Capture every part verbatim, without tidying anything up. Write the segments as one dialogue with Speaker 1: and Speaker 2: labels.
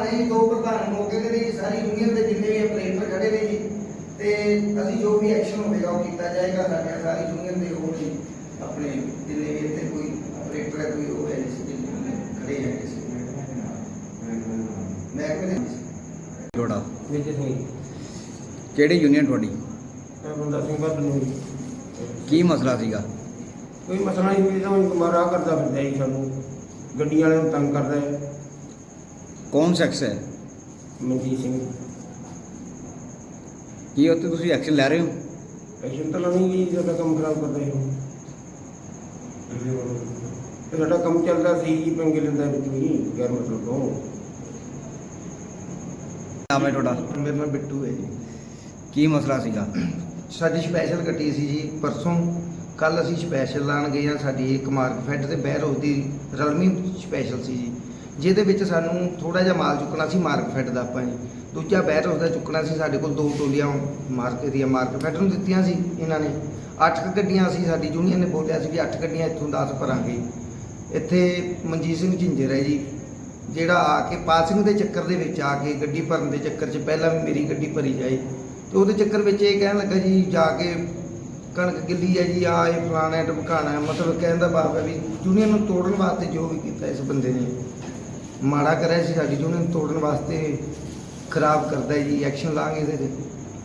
Speaker 1: ने जी, दो प्रधान मौके ते जी, सारी यूनियन के जिन्ने भी ऑपरेटर खड़े ने जी, ते असीं जो भी एक्शन होगा वो किया जाएगा। साढ़े सारी यूनियन के वो जी अपने जिन्ने भी इतने कोई ऑपरेटर है, कोई वो है जिस खड़े हैं किसी महकमे ने
Speaker 2: ਤੁਹਾਡਾ
Speaker 3: ਵਿਜੇ ਸਿੰਘ
Speaker 2: ਕਿਹੜੀ ਯੂਨੀਅਨ ਤੁਹਾਡੀ?
Speaker 3: ਮੈਂ ਬੰਦਾ ਸਿੰਘ ਬਾਦ ਨੂੰ
Speaker 2: ਕੀ ਮਸਲਾ ਸੀਗਾ?
Speaker 3: ਕੋਈ ਮਸਲਾ ਨਹੀਂ ਹੋਈ, ਤਾਂ ਗੁਮਾਰਾ ਕਰਦਾ ਫਿਰਦਾ ਜੀ, ਸਾਨੂੰ ਗੱਡੀਆਂ ਵਾਲਿਆਂ ਨੂੰ ਤੰਗ ਕਰਦਾ ਹੈ।
Speaker 2: ਕੌਣ ਸ਼ਖਸ ਹੈ?
Speaker 3: ਮਨਜੀਤ ਸਿੰਘ।
Speaker 2: ਕੀ ਉੱਤੇ ਤੁਸੀਂ ਐਕਸ਼ਨ ਲੈ ਰਹੇ ਹੋ?
Speaker 3: ਐਕਸ਼ਨ ਤਾਂ ਲਾਉਣੀ ਜੀ, ਸਾਡਾ ਕੰਮ ਖਰਾਬ ਕਰਦਾ ਹੈ। ਤੇ ਸਾਡਾ ਕੰਮ ਚੱਲਦਾ ਸੀ ਜੀ, ਪੰਗੇ ਲੈਂਦਾ ਵਿੱਚ ਵੀ ਗੈਰ ਮਤਲਬ ਤੋਂ।
Speaker 2: ਨਾਮ ਹੈ ਤੁਹਾਡਾ?
Speaker 1: मेरा नाम बिट्टू है जी।
Speaker 2: ਕੀ ਮਸਲਾ ਸੀਗਾ?
Speaker 1: ਸਾਡੀ ਸਪੈਸ਼ਲ ਗੱਡੀ ਸੀ ਜੀ ਪਰਸੋਂ। ਕੱਲ ਅਸੀਂ ਸਪੈਸ਼ਲ ਲਾਣ ਗਏ ਹਾਂ, ਸਾਡੀ ਇੱਕ ਮਾਰਕ ਫੈਡ ਤੇ ਬਹਿਰ ਦੀ ਰਲਮੀ ਸਪੈਸ਼ਲ ਸੀ ਜੀ, ਜਿਹਦੇ ਵਿੱਚ ਸਾਨੂੰ ਥੋੜਾ ਜਿਹਾ ਮਾਲ ਚੁੱਕਣਾ ਸੀ ਮਾਰਕ ਫੈਡ ਦਾ ਆਪਾਂ ਜੀ। ਦੂਜਾ ਬਹਿਰ ਦਾ ਚੁੱਕਣਾ ਸੀ। ਸਾਡੇ ਕੋਲ ਦੋ ਟੋਲੀਆਂ ਮਾਰਕ ਦੀਆਂ ਮਾਰਕ ਫੈਡ ਨੂੰ ਦਿੱਤੀਆਂ ਸੀ ਇਹਨਾਂ ਨੇ। ਅੱਠ ਕੁ ਗੱਡੀਆਂ ਸੀ, ਸਾਡੀ ਯੂਨੀਅਨ ਨੇ ਬੋਲਿਆ ਸੀ ਵੀ ਅੱਠ ਗੱਡੀਆਂ ਇੱਥੋਂ ਦਸ ਭਰਾਂਗੇ। ਇੱਥੇ ਮਨਜੀਤ ਸਿੰਘ ਝਿੰਜਰ ਹੈ ਜੀ, ਜਿਹੜਾ ਆ ਕੇ ਪਾਸਿੰਗ ਦੇ ਚੱਕਰ ਦੇ ਵਿੱਚ ਆ ਕੇ ਗੱਡੀ ਭਰਨ ਦੇ ਚੱਕਰ 'ਚ ਪਹਿਲਾਂ ਵੀ ਮੇਰੀ ਗੱਡੀ ਭਰੀ ਜਾਏ, ਤੇ ਉਹਦੇ ਚੱਕਰ ਵਿੱਚ ਇਹ ਕਹਿਣ ਲੱਗਾ ਜੀ ਜਾ ਕੇ ਕਣਕ ਗਿੱਲੀ ਹੈ ਜੀ, ਆ ਇਹ ਫਲਾਣਾ ਢਮਕਾਣਾ ਹੈ। ਮਤਲਬ ਕਹਿਣ ਦਾ ਭਾਵ ਹੈ ਵੀ ਯੂਨੀਅਨ ਨੂੰ ਤੋੜਨ ਵਾਸਤੇ ਜੋ ਵੀ ਕੀਤਾ ਇਸ ਬੰਦੇ ਨੇ ਮਾੜਾ ਕਰਿਆ ਸੀ, ਸਾਡੀ ਯੂਨੀਅਨ ਨੂੰ ਤੋੜਨ ਵਾਸਤੇ ਖਰਾਬ ਕਰਦਾ ਜੀ। ਐਕਸ਼ਨ ਲਾਂਗੇ ਇਹਦੇ 'ਤੇ।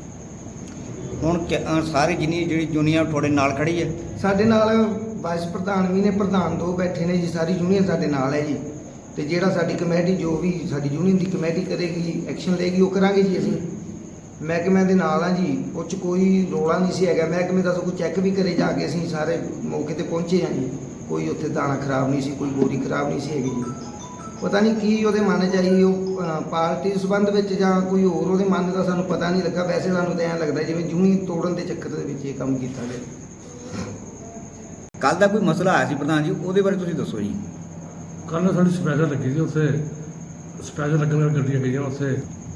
Speaker 2: ਹੁਣ ਕਿ- ਅਹ ਸਾਰੀ ਜਿੰਨੀ ਜਿਹੜੀ ਯੂਨੀਅਨ ਤੁਹਾਡੇ ਨਾਲ ਖੜੀ ਹੈ?
Speaker 1: ਸਾਡੇ ਨਾਲ ਵਾਈਸ ਪ੍ਰਧਾਨ ਵੀ ਨੇ, ਪ੍ਰਧਾਨ ਦੋ ਬੈਠੇ ਨੇ ਜੀ, ਸਾਰੀ ਯੂਨੀਅਨ ਸਾਡੇ ਨਾਲ ਹੈ ਜੀ। ਤੇ ਜਿਹੜਾ ਸਾਡੀ ਕਮੇਟੀ ਜੋ ਵੀ ਸਾਡੀ ਯੂਨੀਅਨ ਦੀ ਕਮੇਟੀ ਕਰੇਗੀ, ਐਕਸ਼ਨ ਲਏਗੀ, ਉਹ ਕਰਾਂਗੇ ਜੀ। ਅਸੀਂ ਮਹਿਕਮੇ ਦੇ ਨਾਲ ਆ ਜੀ, ਉਹ 'ਚ ਕੋਈ ਰੋਲਾ ਨਹੀਂ ਸੀ ਹੈਗਾ। ਮਹਿਕਮੇ ਦਾ ਸਗੋਂ ਚੈੱਕ ਵੀ ਕਰੇ ਜਾ ਕੇ, ਅਸੀਂ ਸਾਰੇ ਮੌਕੇ ਤੇ ਪਹੁੰਚੇ ਹਾਂ ਜੀ। ਕੋਈ ਉੱਥੇ ਦਾਣਾ ਖਰਾਬ ਨਹੀਂ ਸੀ, ਕੋਈ ਬੋਰੀ ਖਰਾਬ ਨਹੀਂ ਸੀ ਹੈਗੀ ਜੀ। ਪਤਾ ਨਹੀਂ ਕੀ ਉਹਦੇ ਮਨ 'ਚ ਆਈ, ਉਹ ਅਹ, ਪਾਰਟੀ ਸੰਬੰਧ ਵਿੱਚ ਜਾਂ ਕੋਈ ਹੋਰ ਉਹਦੇ ਮਨ ਦਾ ਸਾਨੂੰ ਪਤਾ ਨਹੀਂ ਲੱਗਾ। ਵੈਸੇ ਸਾਨੂੰ ਤਾਂ ਐਂ ਲੱਗਦਾ ਜਿਵੇਂ ਯੂਨੀਅਨ ਤੋੜਨ ਦੇ ਚੱਕਰ ਦੇ ਵਿੱਚ ਇਹ ਕੰਮ ਕੀਤਾ ਗਿਆ।
Speaker 2: ਕੱਲ ਦਾ ਕੋਈ ਮਸਲਾ ਆਇਆ ਸੀ ਪ੍ਰਧਾਨ ਜੀ, ਉਹਦੇ ਬਾਰੇ ਤੁਸੀਂ ਦੱਸੋ ਜੀ।
Speaker 4: ਕੱਲ੍ਹ ਸਾਡੀ ਸਪੈਸ਼ਲ ਲੱਗੀ ਸੀ, ਉੱਥੇ ਸਪੈਸ਼ਲ ਲੱਗਣ ਨਾਲ ਗੱਡੀਆਂ ਗਈਆਂ ਉੱਥੇ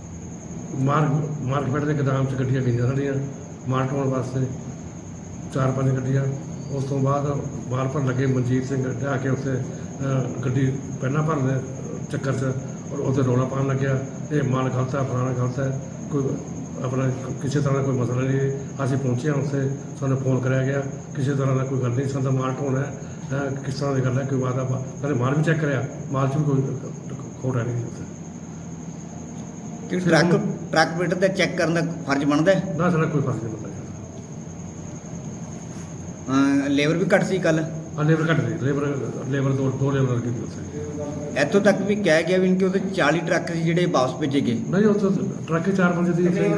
Speaker 4: ਮਾਰਕ ਮਾਰਕੀਟ ਦੇ ਗੋਦਾਮ 'ਚ ਗੱਡੀਆਂ ਗਈਆਂ ਸਾਡੀਆਂ ਮਾਲ ਢੋਣ ਵਾਸਤੇ, ਚਾਰ ਪੰਜ ਗੱਡੀਆਂ। ਉਸ ਤੋਂ ਬਾਅਦ ਮਾਲ ਭਰਨ ਲੱਗੇ, ਮਨਜੀਤ ਸਿੰਘ ਲਿਆ ਕੇ ਉੱਥੇ ਅਹ, ਗੱਡੀ ਪਹਿਲਾਂ ਭਰਨ ਦੇ ਚੱਕਰ 'ਚ ਔਰ ਉੱਥੇ ਰੌਲਾ ਪਾਉਣ ਲੱਗਿਆ, ਇਹ ਮਾਲ ਗਲਤ ਹੈ, ਫਲਾਣਾ ਗਲਤ ਹੈ। ਕੋਈ ਆਪਣਾ ਕਿਸੇ ਤਰ੍ਹਾਂ ਦਾ ਕੋਈ ਮਸਲਾ ਨਹੀਂ। ਅਸੀਂ ਪਹੁੰਚੇ ਹਾਂ ਉੱਥੇ, ਸਾਨੂੰ ਫੋਨ ਕਰਿਆ ਗਿਆ, ਕਿਸੇ ਤਰ੍ਹਾਂ ਦਾ ਕੋਈ ਗੱਲ ਨਹੀਂ, ਸਾਡਾ ਮਾਲ ਢੋਣਾ ਹੈ, ਕਿਸ ਤਰ੍ਹਾਂ ਦੀ ਗੱਲ ਹੈ, ਕੋਈ ਵਾਦਾ ਸਾਡੇ ਮਾਲ ਵੀ ਚੈੱਕ ਕਰਿਆ, ਮਾਲ 'ਚ ਵੀ ਕੋਈ ਖੋਟ ਹੈ ਨਹੀਂ ਉੱਥੇ।
Speaker 2: ਕਿ ਟਰੱਕ ਟਰੱਕ ਪੇਟਰ ਦਾ ਚੈੱਕ ਕਰਨ ਦਾ ਫਰਜ਼ ਬਣਦਾ ਹੈ?
Speaker 4: ਨਾ ਸਾਡਾ ਕੋਈ ਫਰਕ ਨਹੀਂ ਪੈਂਦਾ।
Speaker 2: ਅਹ ਲੇਬਰ ਵੀ ਘੱਟ ਸੀ ਕੱਲ?
Speaker 4: ਹਾਂ ਲੇਬਰ ਘੱਟ ਸੀ, ਲੇਬਰ ਲੇਬਰ ਦੋ ਦੋ ਲੇਬਰ ਕੀਤੀ ਉੱਥੇ।
Speaker 2: ਇੱਥੋਂ ਤੱਕ ਵੀ ਕਹਿ ਗਿਆ ਵੀ ਕਿ ਉਹਦੇ ਚਾਲੀ ਟਰੱਕ ਸੀ ਜਿਹੜੇ ਵਾਪਸ ਭੇਜੇ ਗਏ।
Speaker 4: ਨਹੀਂ ਉੱਥੇ ਟਰੱਕ ਚਾਰ ਪੰਜ ਦੀ ਉੱਥੇ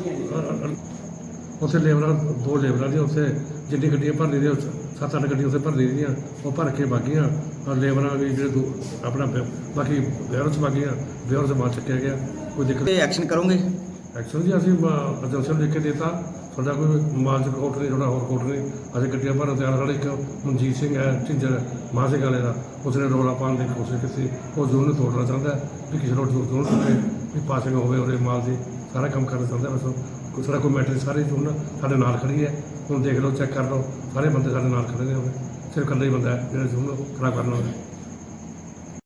Speaker 4: ਉੱਥੇ ਲੇਬਰਾਂ ਦੋ ਲੇਬਰਾਂ ਦੀਆਂ ਉੱਥੇ ਜਿੰਨੀ ਗੱਡੀਆਂ ਭਰ ਲਈਆਂ, ਸੱਤ ਅੱਠ ਗੱਡੀਆਂ ਉੱਥੇ ਭਰ ਲਈਆਂ, ਉਹ ਭਰ ਕੇ ਬਾਗੀਆਂ। ਔਰ ਲੇਬਰਾਂ ਵੀ ਜਿਹੜੇ ਦੋ ਆਪਣਾ ਬਾਕੀ ਵੇਅਰ 'ਚ ਬਾਗੀਆਂ, ਵੇਅਰ 'ਚ ਮਾਲ ਚੱਕਿਆ ਗਿਆ। ਕੋਈ ਦਿੱਕਤ
Speaker 2: ਤੇ ਐਕਸ਼ਨ ਕਰੋਗੇ?
Speaker 4: ਐਕਸ਼ਨ ਜੀ ਅਸੀਂ ਏਜੰਸੀ ਲਿਖ ਕੇ ਦਿੱਤਾ, ਸਾਡਾ ਕੋਈ ਮਾਲ 'ਚ ਕੋਟ ਨਹੀਂ, ਸਾਡਾ ਹੋਰ ਕੋਟ ਨਹੀਂ। ਅਸੀਂ ਗੱਡੀਆਂ ਭਰਨ ਤਿਆਰ। ਸਾਡੇ ਇੱਕ ਮਨਜੀਤ ਸਿੰਘ ਹੈ ਝਿੰਜਰ ਮਾਂ ਸਿੰਘ ਵਾਲੇ ਦਾ, ਉਸਨੇ ਰੌਲਾ ਪਾਉਣ ਦੀ ਕੋਸ਼ਿਸ਼ ਕੀਤੀ। ਉਹ ਜ਼ੋਨ ਨੂੰ ਤੋੜਨਾ ਚਾਹੁੰਦਾ ਵੀ ਕਿਸੇ ਨੂੰ ਜ਼ੋਨ ਹੋਵੇ ਵੀ ਪਾਸਿੰਗ ਹੋਵੇ ਉਹਦੇ ਮਾਲ ਦੀ, ਸਾਰਾ ਕੰਮ ਕਰਨਾ ਚਾਹੁੰਦਾ। ਬਸ ਕੋਈ ਸਾਡਾ ਕੋਈ ਮੈਟਰ ਸਾਰੀ ਜ਼ੋਨ ਸਾਡੇ ਨਾਲ ਖੜੀ ਹੈ। ਹੁਣ ਦੇਖ ਲਓ, ਚੈੱਕ ਕਰ ਲਓ, ਸਾਰੇ ਬੰਦੇ ਸਾਡੇ ਨਾਲ ਖੜੇ ਨੇ। ਉਹਦੇ ਸਿਰਫ ਇਕੱਲਾ ਹੀ ਬੰਦਾ ਹੈ ਜਿਹੜਾ ਜ਼ੋਨ ਖਰਾਬ ਕਰਨਾ ਹੋਵੇ।